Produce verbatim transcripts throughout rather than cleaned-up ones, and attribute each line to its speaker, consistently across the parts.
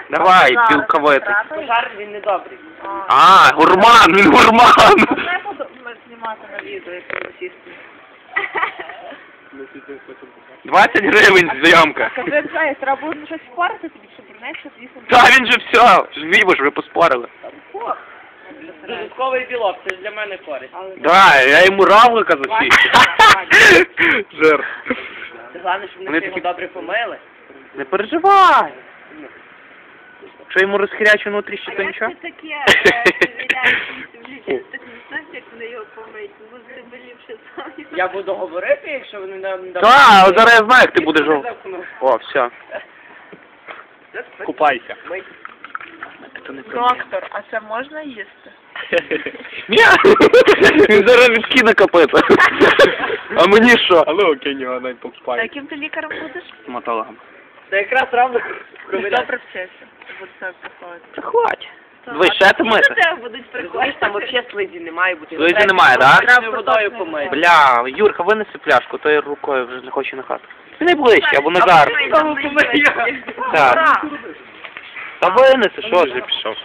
Speaker 1: Давай, цілковито.
Speaker 2: Пожар він не добрий.
Speaker 1: А, гурман, він гурман.
Speaker 3: Не буду знімати на відео, як буду сісти.
Speaker 1: двадцять гривень зйомка.
Speaker 3: Скажи, знаєш, треба буде щось впарити тобі, щоб принести, звісно.
Speaker 1: Та він же все, вібиш, ви поспорили.
Speaker 2: Додатковий білок, це ж для мене користь.
Speaker 1: Да, я йому равлика засів. Жир.
Speaker 2: Це головне, щоб
Speaker 1: Вони
Speaker 2: ми його
Speaker 1: такі-
Speaker 2: добре помили.
Speaker 1: Не переживай. Що йому розхрячу внутрі, ще то нічого?
Speaker 3: таке, перевіряєш, так не знаєш, як вони його помить, бо ти болівши самі.
Speaker 2: Я буду говорити, якщо вони нам не
Speaker 1: Так, зараз я знаю, як ти будеш жов. О, все. Купайся.
Speaker 3: Доктор, а це можна їсти?
Speaker 1: Ні, він зараз відкине копита. А мені що? Але окей, нього навіть
Speaker 3: А
Speaker 1: покупаю.
Speaker 3: яким ти лікарем будеш?
Speaker 1: Стоматологом.
Speaker 2: Це якраз равно
Speaker 3: Добре вчився. Буду себе приходити.
Speaker 1: Хвать. Ви ще ти
Speaker 3: До
Speaker 1: мити?
Speaker 3: тебе будуть
Speaker 2: Розумієш,
Speaker 3: приходити.
Speaker 2: там взагалі слизі не має бути.
Speaker 1: Слизі немає, да?
Speaker 2: Треба водою помити.
Speaker 1: Бля, Юрка, винеси пляшку, то я рукою вже не хочу на хату. Ти не ближче, або Назар. Так. Та винеси, що ж я пішов?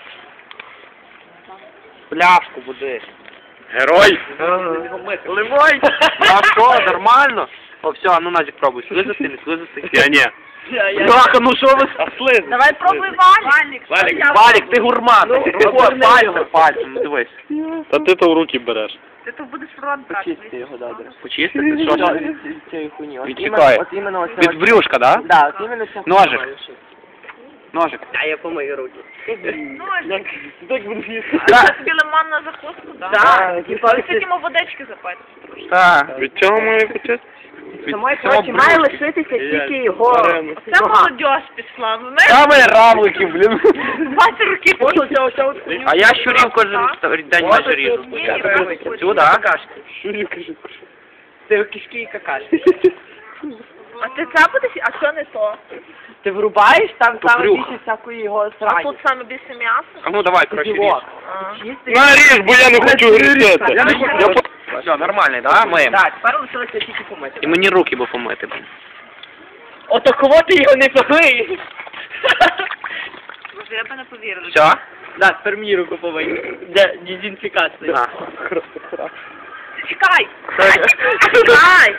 Speaker 1: Пляшку буди. Герой! Ливой! А що, нормально? О, все, а ну Назік пробуй. Слизати, не слизати. Я ні. Бляха, ну що ви? А слиз.
Speaker 3: Давай пробуй валік.
Speaker 1: Валік, Валік, ти гурман. Рукою, пальцем, пальцем, ну дивись.
Speaker 4: Та ти то в руки береш.
Speaker 3: Ти тут будеш фронтати.
Speaker 1: Почистити? Що ж?
Speaker 2: Цієї хуйні. От
Speaker 1: Відчекай.
Speaker 2: іменно- От іменно оце.
Speaker 1: Від брюшка, да?
Speaker 2: Да, от іменно ця
Speaker 1: Ножик.
Speaker 2: хуйня.
Speaker 1: Ножик.
Speaker 2: А я помию руки.
Speaker 3: Ножик.
Speaker 2: Так буду їсти.
Speaker 3: Це тобі лимон на закуску, так?
Speaker 2: Так, типа,
Speaker 3: Ось такими водички запити.
Speaker 1: Так.
Speaker 4: Від цього має почистити?
Speaker 2: Самої,
Speaker 1: цього
Speaker 2: коротше, має
Speaker 1: брюшки.
Speaker 2: лишитися тільки його.
Speaker 3: Це молодь пішла. Ну, знаєш,
Speaker 1: Саме равлики, блін.
Speaker 3: двадцять років.
Speaker 2: От оце, оце, от.
Speaker 1: А я щурів кожен день майже ріжу.
Speaker 3: Ні, ні, правильно.
Speaker 1: Цю, да?
Speaker 2: Какашки. Це кишки і какашки.
Speaker 3: А ти це будеш? А що не то?
Speaker 2: Ти врубаєш, там
Speaker 1: То
Speaker 2: саме
Speaker 1: брюх.
Speaker 2: більше всякої його
Speaker 3: А
Speaker 2: срані.
Speaker 3: тут саме більше м'яса?
Speaker 1: А ну давай, коротше, ріж.
Speaker 2: Білок.
Speaker 3: А.
Speaker 2: Чистий.
Speaker 4: Наріж, бо я не хочу грітися.
Speaker 2: Я не хочу.
Speaker 1: Все, нормальний, да? Миємо.
Speaker 2: Так, тепер лишилося тільки помити.
Speaker 1: І мені руки би помити. блін.
Speaker 2: Ото кого ти його не помиєш?
Speaker 3: Боже, я б не повірила.
Speaker 1: Все?
Speaker 2: Да, тепер мені руку помий. Для дезінфікації.
Speaker 1: На.
Speaker 3: Чекай! Чекай!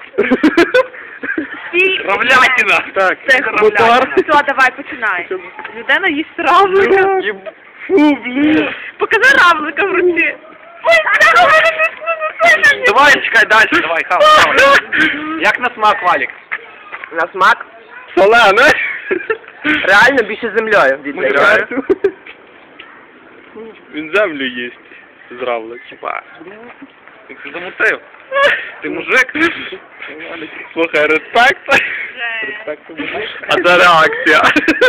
Speaker 3: Стій!
Speaker 1: Равлятина! Так,
Speaker 3: Це
Speaker 1: мотор.
Speaker 3: Все, давай, починай. Людина їсть равлика.
Speaker 1: Фу, блін.
Speaker 3: Покажи равлика в руці. Ой, це равлик!
Speaker 1: Давай, чекай далі, давай, хавай, хавай. Як на смак, Валік?
Speaker 2: На смак.
Speaker 4: Солене.
Speaker 2: Реально більше землею віддає.
Speaker 4: Він землю їсть. Зравлик.
Speaker 1: Чіпа. Ти це замутив. Ти мужик.
Speaker 4: Слухай, респект.
Speaker 1: А це реакція.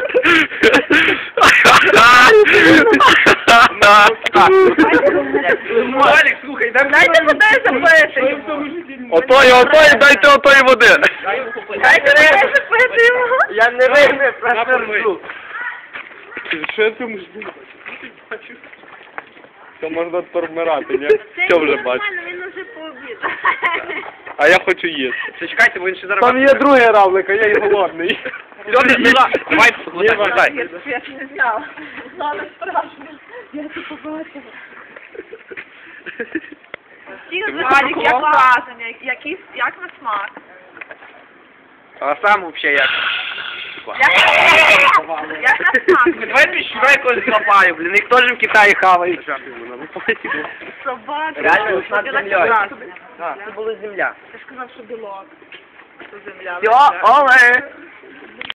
Speaker 1: Валік, слухай, дай
Speaker 3: Дайте води запити.
Speaker 1: Отої, отої, дайте отої води.
Speaker 3: Дайте води запити йому.
Speaker 2: Я не вийму, просто ржу.
Speaker 4: Що я цьому жду? Це можна тормирати, ні? Що вже бачу?
Speaker 3: Він уже пообідав.
Speaker 4: А я хочу їсти.
Speaker 1: Це чекайте, бо він ще зараз...
Speaker 4: Там є другий равлик, а я і голодний.
Speaker 1: Давай, давай.
Speaker 3: Я не знала. Знала страшно. Я це побачила. Валік, як враження, який, як на смак?
Speaker 1: А сам взагалі як?
Speaker 3: Як, як на смак?
Speaker 1: Давай піщу якось злапаю, блін, їх теж в Китаї хавають.
Speaker 3: Собака.
Speaker 2: Реально,
Speaker 3: Ти
Speaker 2: над землею.
Speaker 3: так
Speaker 2: Це була земля.
Speaker 3: Ти ж сказав, що білок. Це земля.
Speaker 2: Все, оле!